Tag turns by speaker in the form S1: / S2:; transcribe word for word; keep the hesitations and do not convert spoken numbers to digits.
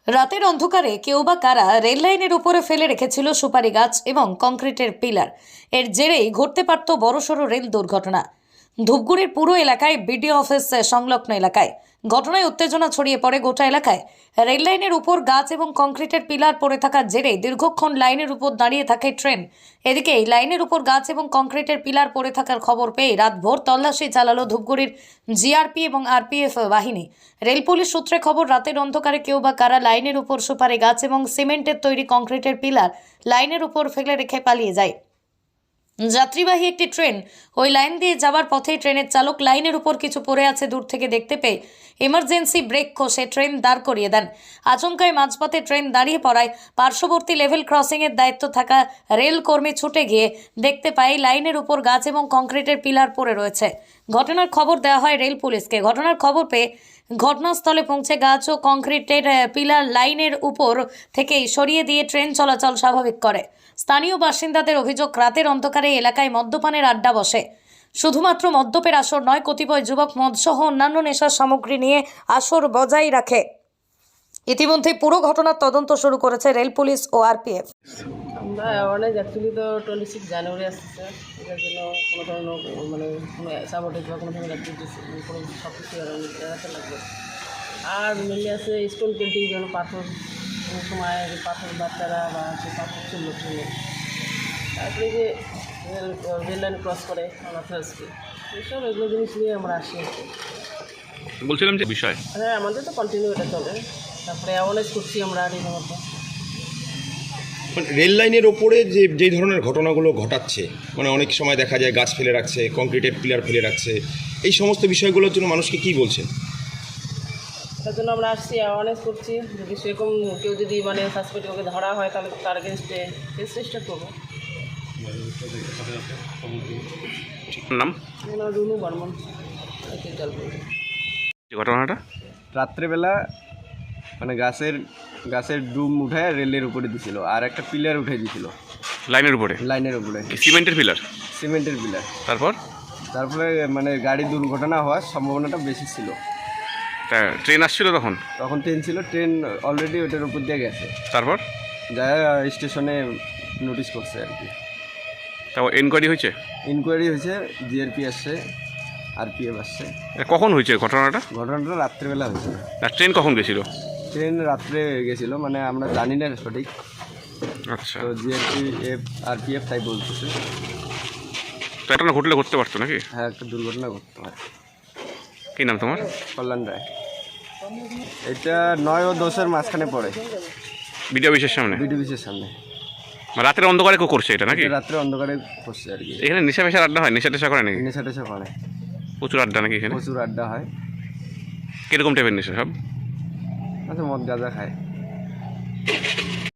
S1: রাতের অন্ধকারে কেউ বা কারা রেল লাইনের উপরে ফেলে রেখেছিল সুপারি গাছ এবং কংক্রিটের পিলার। এর জেরেই ঘটতে পারত বড়সড় রেল দুর্ঘটনা। ধূপগুড়ির পুরো এলাকায় বিডিও অফিস সংলগ্ন এলাকায় ঘটনায় উত্তেজনা ছড়িয়ে পড়ে গোটা এলাকায়। রেল লাইনের উপর গাছ এবং কংক্রিটের পিলার পড়ে থাকার জেরে দীর্ঘক্ষণ লাইনের উপর দাঁড়িয়ে থাকে ট্রেন। এদিকে এই লাইনের উপর গাছ এবং কংক্রিটের পিলার পড়ে থাকার খবর পেয়ে রাতভর তল্লাশি চালালো ধূপগুড়ির জিআরপি এবং আরপিএফ বাহিনী। রেল পুলিশ সূত্রে খবর, রাতের অন্ধকারে কেউ বা কারা লাইনের উপর সুপারি গাছ এবং সিমেন্টের তৈরি কংক্রিটের পিলার লাইনের উপর ফেলে রেখে পালিয়ে যায়। যাত্রীবাহী একটি ট্রেন ওই লাইন দিয়ে যাওয়ার পথেই ট্রেনের চালক লাইনের উপর কিছু পড়ে আছে দূর থেকে দেখতে পেয়ে এমার্জেন্সি ব্রেক কষে ট্রেন দাঁড় করিয়ে দেন। আচমকায় মাঝপথে ট্রেন দাঁড়িয়ে পড়ায় পার্শ্ববর্তী লেভেল ক্রসিংয়ের দায়িত্ব থাকা রেল কর্মী ছুটে গিয়ে দেখতে পায় লাইনের উপর গাছ এবং কংক্রিটের পিলার পড়ে রয়েছে। ঘটনার খবর দেওয়া হয় রেল পুলিশকে। ঘটনার খবর পেয়ে ঘটনাস্থলে পৌঁছে গাছ ও কংক্রিটের পিলার লাইনের উপর থেকেই সরিয়ে দিয়ে ট্রেন চলাচল স্বাভাবিক করে। স্থানীয় বাসিন্দাদের অভিযোগ, রাতের অন্ধকারে এলাকায় মদ্যপানের আড্ডা বসে। শুধুমাত্র মদ্যপের আসর নয়, কতিপয় যুবক মদসহ অন্যান্য নেশার সামগ্রী নিয়ে আসর বজায় রাখে। ইতিমধ্যে পুরো ঘটনার তদন্ত শুরু করেছে রেল পুলিশ ও আরপিএফ।
S2: আমরা অ্যাওয়ারনেস অ্যাকচুয়ালি তো টোয়েন্টি সিক্স জানুয়ারি আসতেছে, এটার জন্য কোনো ধরনের মানে কোনো সাবোটেজ বা কোনো ধরনের অ্যাক্টিভিটিস কোনো সব কিছু এড়াতে লাগবে। আর মেনলি আছে স্টোন পেন্টিং, যেমন পাথর, কোনো সময় পাথর বাচ্চারা বা সে পাথর চললো ট্রেনে, তারপরে যে রেল রেল লাইন ক্রস করে অনাথার্সকে, এইসব এগুলো জিনিস নিয়ে আমরা আসি।
S3: বলছিলাম যে বিষয়,
S2: হ্যাঁ আমাদের তো কন্টিনিউ এটা চলে, তারপরে অ্যাওয়ারনেস করছি আমরা রীতিমত।
S4: রেল লাইনের ওপরে যে যেই ধরনের ঘটনাগুলো ঘটাচ্ছে, মানে অনেক সময় দেখা যায় গাছ ফেলে রাখছে, কংক্রিটের পিলার ফেলে রাখছে, এই সমস্ত বিষয়গুলোর জন্য মানুষকে কী বলছেন?
S2: তার জন্য আমরা আসছি, অ্যাওয়ারনেস করছি। যদি সেরকম কেউ যদি মানে সাসপেক্ট ওকে ধরা হয় তাহলে তার এগেনস্টে কেস রেজিস্টার করবো।
S3: নাম
S2: রুনু বর্মন, জলপাইগুড়ি।
S3: ঘটনাটা
S5: রাত্রেবেলা মানে গাছের গাছের ডুম উঠায় রেলের উপরে দিছিল, আর একটা পিলার উঠে দিছিল
S3: লাইনের উপরে,
S5: লাইনের উপরে
S3: সিমেন্টের পিলার,
S5: সিমেন্টের পিলার।
S3: তারপর
S5: তারপরে মানে গাড়ি দুর্ঘটনা হওয়ার সম্ভাবনাটা বেশি ছিল।
S3: তা ট্রেন আসছিল তখন
S5: তখন ট্রেন ছিল, ট্রেন অলরেডি ওটার উপর দিয়ে গেছে,
S3: তারপর
S5: যা স্টেশনে নোটিশ করছে আর কি।
S3: তারপর এনকোয়ারি হয়েছে,
S5: ইনকোয়ারি হয়েছে, জিআরপি আসছে, আরপিএফ আসছে।
S3: এটা কখন হয়েছে ঘটনাটা?
S5: ঘটনাটা রাত্রেবেলা হয়েছে।
S3: আর ট্রেন কখন গেছিল?
S5: ট্রেন রাত্রে গেছিল, মানে আমরা জানি না সঠিক,
S3: আচ্ছা,
S5: তো জিআরপি এফ আরপিএফ তাই বলতেছে।
S3: তো এটা না ঘটলে ঘটতে পারতো নাকি?
S5: হ্যাঁ, একটা দুর্ঘটনা ঘটতে পারে।
S3: কী নাম তোমার?
S5: কল্যাণ রায়। এটা নয় ও দশের মাঝখানে পড়ে,
S3: বিডিও অফিসের সামনে,
S5: বিডি অফিসের সামনে।
S3: মানে রাতের অন্ধকারে কেউ করছে এটা নাকি?
S5: এটা রাত্রে অন্ধকারে করছে আর কি।
S3: এখানে নেশা ফেশার আড্ডা হয়? নেশা টেশা করে নাকি?
S5: নেশা টেশা করে,
S3: প্রচুর আড্ডা নাকি এখানে?
S5: প্রচুর আড্ডা হয়।
S3: কীরকম টাইপের নেশা সব?
S5: আচ্ছা, মদ গাঁজা খায়।